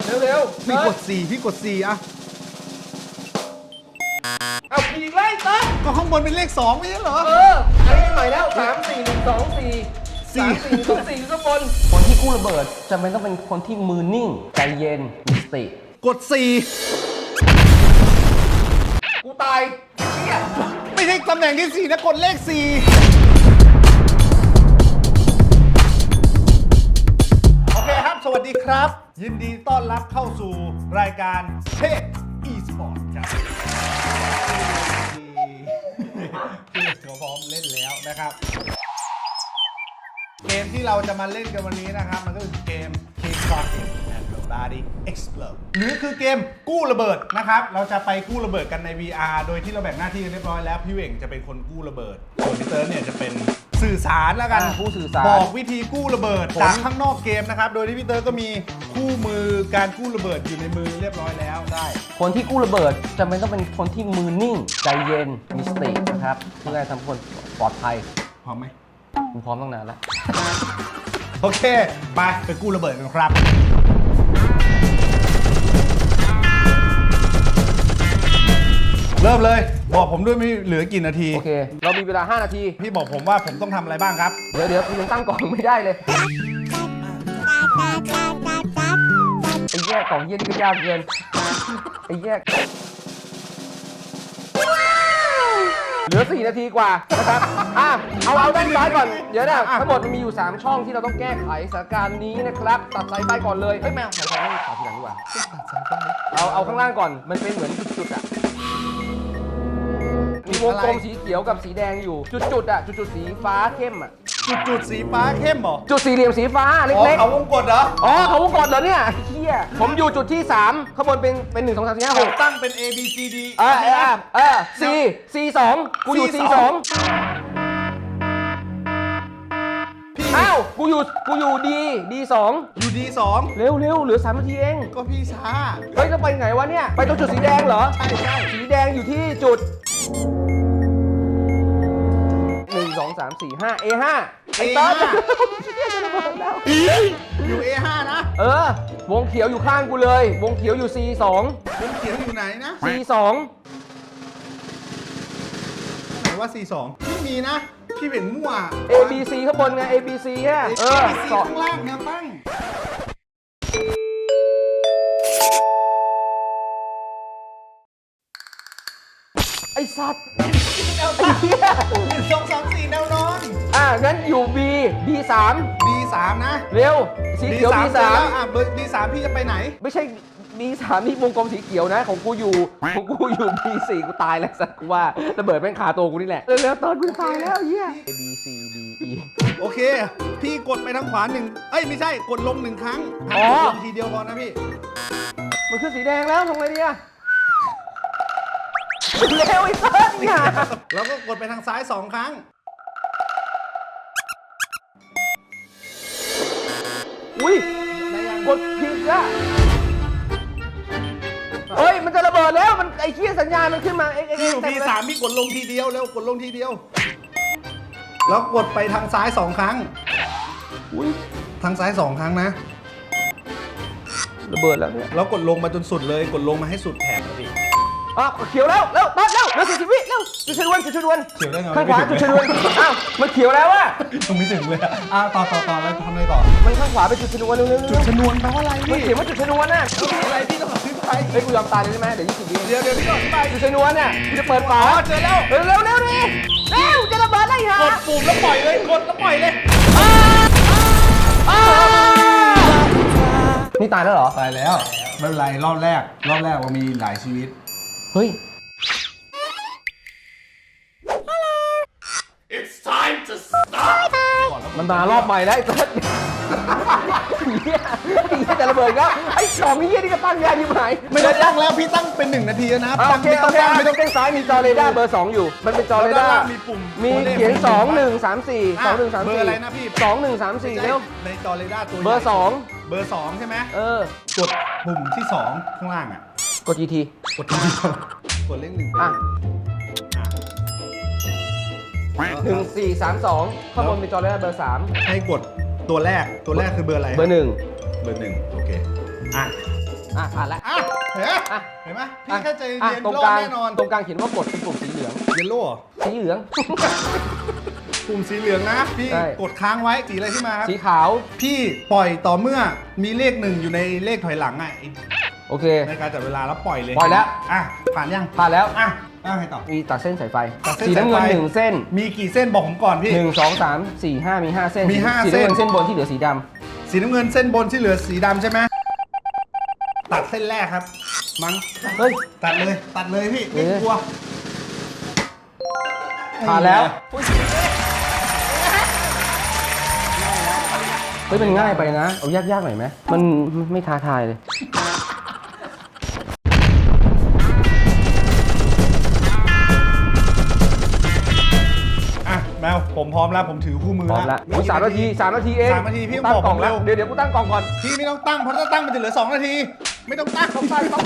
เร็วพี่กด4พี่กด4อะเอาผีไล่ตัดก็ข้างบนเป็นเลข2ไม่ใช่เหรออันนี้ใหม่แล้ว3 4 1 2 4 3 4 1 2 4ข้างบนคนที่กู้ระเบิดจำเป็นต้องเป็นคนที่มือนิ่งใจเย็นมีสติกด4 กูตายเชี่ยไม่ใช่ตำแหน่งที่4นะกดเลข4โอเคครับสวัสดีครับยินดีต้อนรับเข้าสู่รายการเทพ e-sport ครับพี่เขาพร้อมเล่นแล้วนะครับเกมที่เราจะมาเล่นกันวันนี้นะครับมันก็คือเกม Kick-Starting and Body Explode หรือคือเกมกู้ระเบิดนะครับเราจะไปกู้ระเบิดกันใน VR โดยที่เราแบ่งหน้าที่กันเรียบร้อยแล้วพี่เหว่งจะเป็นคนกู้ระเบิดส่วนพี่เติร์ดเนี่ยจะเป็นสื่อสารแล้วกันผู้สื่อสารบอกวิธีกู้ระเบิดจากข้างนอกเกมนะครับโดยที่พี่เติร์ดก็มีคู่มือการกู้ระเบิดอยู่ในมือเรียบร้อยแล้วได้คนที่กู้ระเบิดจำเป็นต้องเป็นคนที่มือนิ่งใจเย็นมีสตินะครับเพื่อให้ทำคนปลอดภัยพร้อมไหมกูพร้อมตั้งนานแล้วโอเคไปกู้ระเบิดกันครับเริ่มเลยบอกผมด้วยไม่เหลือกี่นาทีโอเคเรามีเวลา5 นาทีพี่บอกผมว่าผมต้องทำอะไรบ้างครับเดี๋ยวกูยังตั้งกล่องไม่ได้เลยไอ้แย่กล่องเย็นก็ยากเกินไอ้แย่เหลือ4 นาทีกว่านะครับเอาด้านซ้ายก่อนเดี๋ยวนะทั้งหมดมันมีอยู่3ช่องที่เราต้องแก้ไขสถานการณ์นี้นะครับตัดสายไฟก่อนเลยเฮ้ยแมวสายไฟไม่ตัดทีหลังดีกว่าเอาข้างล่างก่อนมันเป็นเหมือนจุดๆอ่ะมีวงกลมสีเขียวกับสีแดงอยู่จุดๆอ่ะจุดๆสีฟ้าเข้มอ่ะจุดสีฟ้าเข้มเหรอจุดสี่เหลี่ยมสีฟ้าเล็กๆเขาวงกดเหรอเขาวงกดเหรอเนี่ยเฮียผมอยู่จุดที่3ข้างบนเป็น1 2 3 4 5 6 ตั้งเป็น A B C D C 2กูอยู่ C 2อ้าวกูอยู่ D 2 อยู่ D 2 เร็วเหลือ3 นาทีเองก็พี่ช้าเฮ้ยจะไปไหนวะเนี่ยไปตรงจุดสีแดงเหรอใช่สีแดงอยู่ที่จุด1 2 3 4 5 A5 ไอ้ต้นอยู่ A5 นะวงเขียวอยู่ข้างกูเลยวงเขียวอยู่ C 2วงเขียวอยู่ไหนนะ C 2 ไหนว่า C 2ไม่มีนะพี่เป็นมั่ว A B C ข้างบนไง A B C ฮะ C ข้างล่างแนวตั้งไอ้สัตว์แนวตั้ง1 2 3 4แนวนอนงั้นอยู่ B D 3 D 3นะเร็วสีเขียว D 3 เบอร์ D 3พี่จะไปไหนไม่ใช่ D 3นี่วงกลมสีเขียวนะของกูอยู่ B 4กูตายแล้วสัตว์กูว่าระเบิดแม่งคาตัวกูนี่แหละเร็วตอนกูตายแล้วเหี้ย A B C D E โอเคพี่กดไปทางขวาไม่ใช่กดลง1 ครั้งลงทีเดียวพอนะพี่มันคือสีแดงแล้วทำไงดีอะเร็วไอ้เติ้ลเนี่ยแล้วก็กดไปทางซ้าย2 ครั้งอุ้ยกดผิดอะเฮ้ยมันจะระเบิดแล้วมันไอ้เหี้ยสัญญาณมันขึ้นมาพี่อยู่ B3 พี่กดลงทีเดียวเร็วกดลงทีเดียวแล้วกดไปทางซ้าย2 ครั้งอุ้ยทางซ้าย2 ครั้งนะระเบิดแล้วเนี่ยแล้วกดลงมาจนสุดเลยกดลงมาให้สุดแถบพี่เขียวแล้วตัดแล้ว40 วิเร็วจุดชนวนเขียวได้ไงข้างขวาจุดชนวนมันเขียวแล้วอะยังไม่ถึงเลยต่อแล้วทำอะไรต่อมันข้างขวาเป็นจุดชนวนเร็วจุดชนวนแปลว่าอะไรมันเขียนว่าจุดชนวนน่ะอะไรพี่ต้องอธิบายเฮ้ยกูยอมตายเลยใช่ไหมเดี๋ยว20 วิเดี๋ยวพี่ต้องอธิบายจุดชนวนเนี่ยกูจะเปิดฝาเจอแล้วเร็วดิจะระเบิดได้ฮะกดปุ่มแล้วปล่อยเลยกดแล้วปล่อยเลยนี่ตายแล้วเหรอตายแล้วไม่เป็นไรรอบแรกเรามีหลายชีวิตเฮ้ย It's time to stop มันมารอบใหม่แล้วไอ้สัสเหี้ยจะระเบิดก็ไอ้กล่องนี้นี่ก็ตั้งยากที่หายไม่ได้ตั้งแล้วพี่ตั้งเป็น1 นาทีนะโอเคไม่ต้องเต้นซ้ายมีจอเรดาร์เบอร์ 2อยู่มันเป็นจอเรดาร์มีปุ่มมีเขียน2 1 3 4 2 1 3 4 เบอร์อะไรนะพี่ 2 1 3 4เร็วในจอเรดาร์ตัวเบอร์ 2ใช่ไหมกดปุ่มที่2ข้างล่างกด GT กดเลข1 1 4 3 2ข้างบนมีจอเรดาร์เบอร์ 3 ให้กดตัวแรกคือเบอร์อะไรเบอร์ 1 โอเคผ่านแล้วอ่ะเห็นไหมพี่แค่ใจเย็นตรงรอก ดลางแน่นอนตรงกลางเขียนว่ากดเป็นปุ่มสีเหลืองเยลโล่เหรอสีเหลืองปุ่มสีเหลืองนะพี่ใช่กดค้างไว้สีอะไรที่มาครับสีขาวพี่ปล่อยต่อเมื่อมีเลขหนึ่งอยู่ในเลขถอยหลังอ่ะโอเคในการจับเวลาแล้วปล่อยเลยปล่อยแล้วอ่ะผ่านยังผ่านแล้วอ่ะให้ต่อมีตัดเส้นสายไฟตัดเส้นสีน้ำเงินสายไฟ 1 เส้นมีกี่เส้นบอกผมก่อนพี่ 1 2 3 4 5 มี 5 เส้นมีห้าสีเส้นน้ำเงินเส้นบนที่เหลือสีดสีน้ำเงินเส้นบนที่เหลือสีดำใช่ไหมตัดเส้นแรกครับ มั้งำเฮ้ยตัดเลยพี่ไม่เอ๊ะกลัวผ่านแล้วเฮ้ยมันง่ายไปนะ เอายากๆหน่อยไหมมันไม่ท้าทายเลยอ่ะแมวผมพร้อมแล้วผมถือคู่มือพร้อมแล้วอุ๊ย3 นาที 3 นาทีเอง 3 นาทีพี่ตั้งบอกกล่ผองมแล้วเร็วเดี๋ยวกูตั้งกล่องก่อนพี่ไม่ต้องตั้งเพราะถ้าตั้งมันจะเหลือ2 นาที ไม่ต้องตั้งต้องไป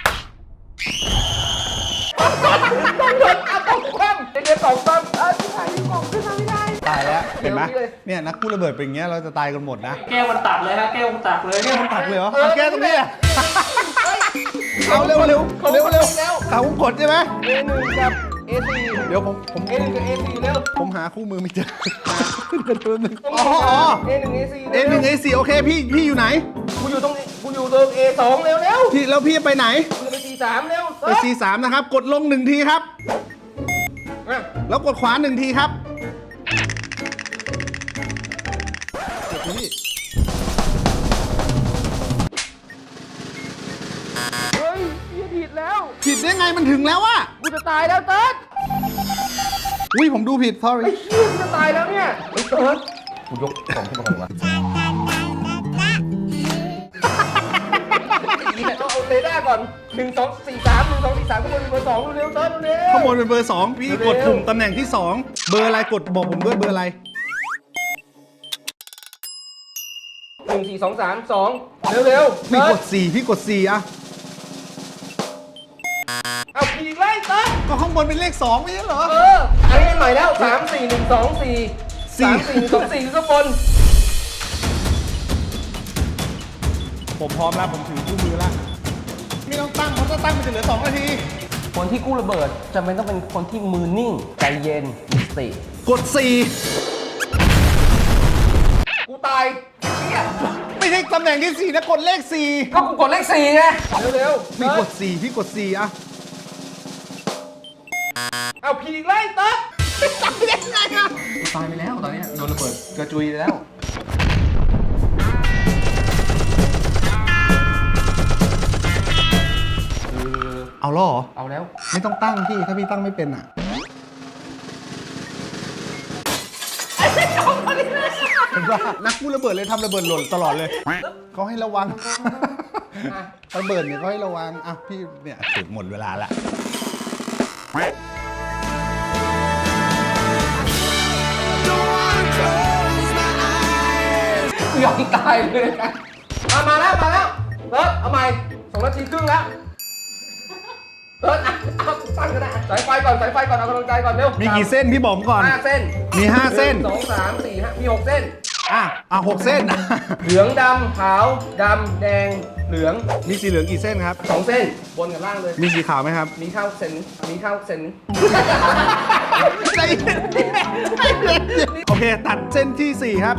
ต้องหยุดเอาต้องคว่ำเดี๋ยวกล่องตั้งที่ไหนกล่องขึ้นมาไม่ได้ตายแล้วเห็นไหมเดี๋ยวนี้เลยเนี่ยนักกู้ระเบิดเป็นอย่างเงี้ยเราจะตายกันหมดนะแก้วมันตักเลยฮะแก้วมันตักเลยแก้มันตักเลยเหรอเอาแก้ตรงนี้อะเอาเร็วเร็วเร็วเร็วเขากดใช่ไหม A1 กับ A4 เดี๋ยวผม A1 กับ A4 เร็วผมหาคู่มือไม่เจอเดี๋ยวนึงต้องอ๋อ A1 A4 เอหนึ่งเอสี่โอเคพี่อยู่ไหนกูอยู่ตรงA2 เร็วเร็วพี่แล้วพี่ไปไหนกูจะไป C3 เร็วไป C3 นะครับ กดลง1 ทีครับ แล้วกดขวา1 ทีครับกดพี่เฮ้ยเหี้ยผิดแล้วผิดได้ไงมันถึงแล้วอะกูจะตายแล้วเติร์ดอุ้ยผมดูผิด sorry ไอ้เหี้ยกูจะตายแล้วเนี่ยไอ้เติร์ดกูยกกล่องขึ้นมาก่อนวะต้องเอาเรดาร์ก่อน1 2 4 3 1 2 4 3ข้างบนเป็นเบอร์2เร็วๆเติร์ดเร็วๆข้างบนเป็นเบอร์ 2 พี่กดปุ่มตำแหน่งที่ 2 เบอร์อะไรกดบอกผมด้วยเบอร์อะไร 1 4 2 3 2เร็วๆพี่เติกร์ดด 4 พี่กด 4อะเอาผีไล่เติร์ดก็ข้างบนเป็นเลข 2 ไม่ใช่เหรออันนี้ใหม่แล้ว3 4 1 2 4 3 4 1 2 4คือข้างบนผมพร้อมแล้วผมถือคู่มือแล้วไม่ต้องตั้งเพราะถ้าตั้งมันจะเหลือ2 นาทีคนที่กู้ระเบิดจำเป็นต้องเป็นคนที่มือนิ่งใจเย็นมีสติกดกูตายเหี้ย 4 ไม่ใช่ตำแหน่งที่ 4 นะกดเลข 4 ก็กูกดเลข4ไงเร็วๆพี่กด 4 พี่กด 4อะเอาผีไล่เติร์ดไม่ได้ไงอะตายไปแล้วตอนนี้โดนระเบิดกระจุยไปแล้วเอาแล้วเหรอเอาแล้วไม่ต้องตั้งพี่ถ้าพี่ตั้งไม่เป็นอะเห็นว่านักกู้ระเบิดเลยทำระเบิดหล่นตลอดเลยเขาให้ระวังระเบิดเนี่ยเขาให้ระวังอ่ะพี่เนี่ยถึงหมดเวลาละยอมตายเลยนะมาแล้วเติร์ดเอาใหม่2 นาทีครึ่งแล้วเติร์ดเอาตั้งก็ได้สายไฟก่อนเอากำลังใจก่อนเร็วมีกี่เส้นพี่บอกผมก่อน 5 เส้นมี5เส้น 2 3 4 5มี6 เส้น 6 เส้นเหลืองดำขาวดำแดงเหลืองมีสีเหลืองกี่เส้นครับ 2 เส้นบนกับล่างเลยมีสีขาวไหมครับมีข้าวเส้นใจเย็นโอเค ตัดเส้นที่ 4 ครับ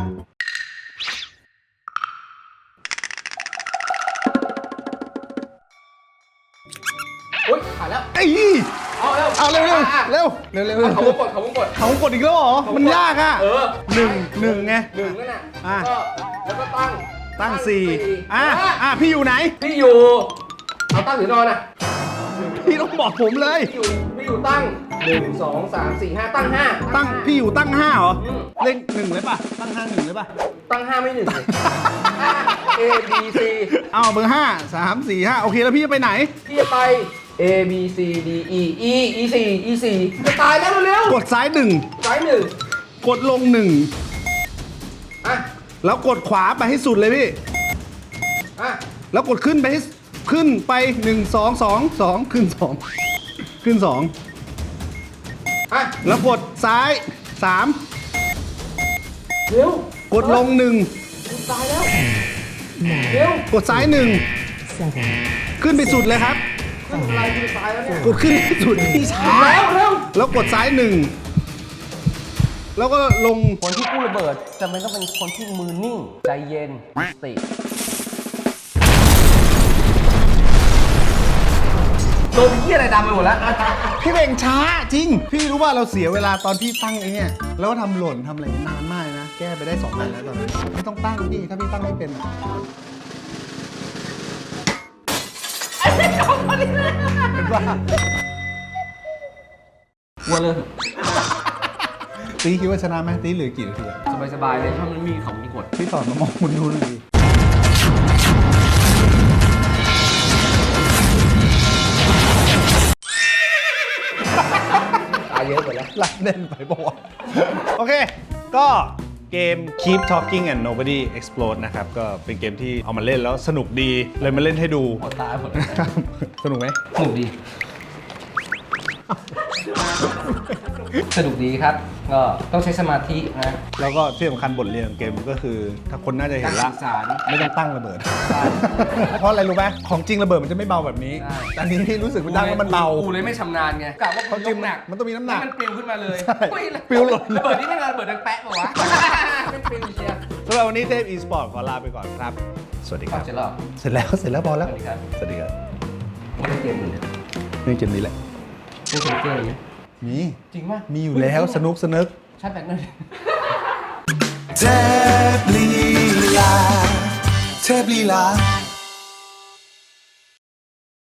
อุ้ยผ่านแล้วเอ้ยเอาเร็วเอาเร็วอ่ะเร็วเร็วเร็วเร็วเขาวงกดเขากดอีกแล้วเหรอ มันยากอ่ะ หนึ่งไงหนึ่งนั่นน่ะอ่ะแล้วก็ตั้ง 4พี่อยู่ไหนพี่อยู่เอาตั้งหรือนอนอ่ะพี่ต้องบอกผมเลยพี่อยู่ตั้ง1 2 3 4 5ตั้ง5 ตั้งพี่อยู่ตั้ง 5 เหรออืมเลข1เลยป่ะ ตั้ง 5 1เลยป่ะตั้ง5ไม่1เลย A B C เอาเบอร์ 5 3 4 5 โอเคแล้วพี่จะไปไหนพี่จะไป A B C D E E 4 จะตายแล้วเร็วกดซ้ายๆซ้าย1 1 กดลงอ่ะ 1 แล้วกดขวาไปให้สุดเลยพี่อ่ะแล้วกดขึ้นไปให้ขึ้นไป 1 2 2 2 ขึ้น 2 ขึ้น 2 อ่ะแล้วกดซ้ายเร็ว 3 กดลงตายแล้วเร็ว 1 กดซ้าย 1 ขึ้นไปสุดเลยครับขึ้นอะไรขึ้นตายแล้วเนี่ยกดขึ้นไปสุดที่ช้า แล้วกดซ้ายหนึ่งแล้วก็ลงคนที่กู้ระเบิดจำเป็นต้องเป็นคนที่มือนิ่ง ใจเย็นมีสติโดนเหี้ยอะไรดำไปหมดแล้วพี่เบ่งช้าจริง พี่รู้ว่าเราเสียเวลาตอนพี่ตั้งไอ้เนี่ยแล้วก็ทำหล่นทำอะไรนานมากนะ แก้ไปได้2 อันแล้วตอนนี้ไม่ต้องตั้งพี่ถ้าพี่ตั้งไม่เป็นอะเป็นว่าวัวเลยตีคิดว่าชนะไหมตีเหลือกี่นาทีอะสบายๆเลยถ้ามันมีของมีกฎพี่สอนมามองคุณดูหน่อยดิตายเยอะกว่าแล้วหลักเด่นไปบอกว่าโอเค ก็เกม Keep Talking and Nobody Explode นะครับ ก็เป็นเกมที่เอามาเล่นแล้วสนุกดี เลยมาเล่นให้ดูหมดตายหมดครับสนุกไหมสนุกดี สนุกดีครับ ก็ต้องใช้สมาธินะแล้วก็ที่สำคัญบทเรียนของเกมก็คือ ถ้าคนน่าจะเห็นละการสื่อสารไม่ต้องตั้งระเบิดใช่เพราะอะไรรู้ไหมของจริงระเบิดมันจะไม่เบาแบบนี้ใช่แต่อันนี้พี่รู้สึกมันดังแล้วมันเบากูเลยไม่ชำนาญไงกะว่าเพราะจริงยกหนักมันต้องมีน้ำหนักมันปลิวขึ้นมาเลยใช่อุ๊ยปลิวหล่นระเบิดนี่ไม่ระเบิดดังแป๊ะป่าวะ ไม่ปลิวเชียร์สำหรับวันนี้เทพ e-sport ขอลาไปก่อนครับ สวัสดีคเข้ารับเสร็จแล้วเหรอเสร็จแล้วพอสแล้ววัสดีครับสวัสดีครับไม่ได้เกมอื่นเลยเรื่องเกมนี้แหละไม่เคยเกมอะไรเงี้ยมีจริงป่ะมีอยู่แล้วสนุกชาร์จแบตหน่อยเทพลีลาเทพลีลา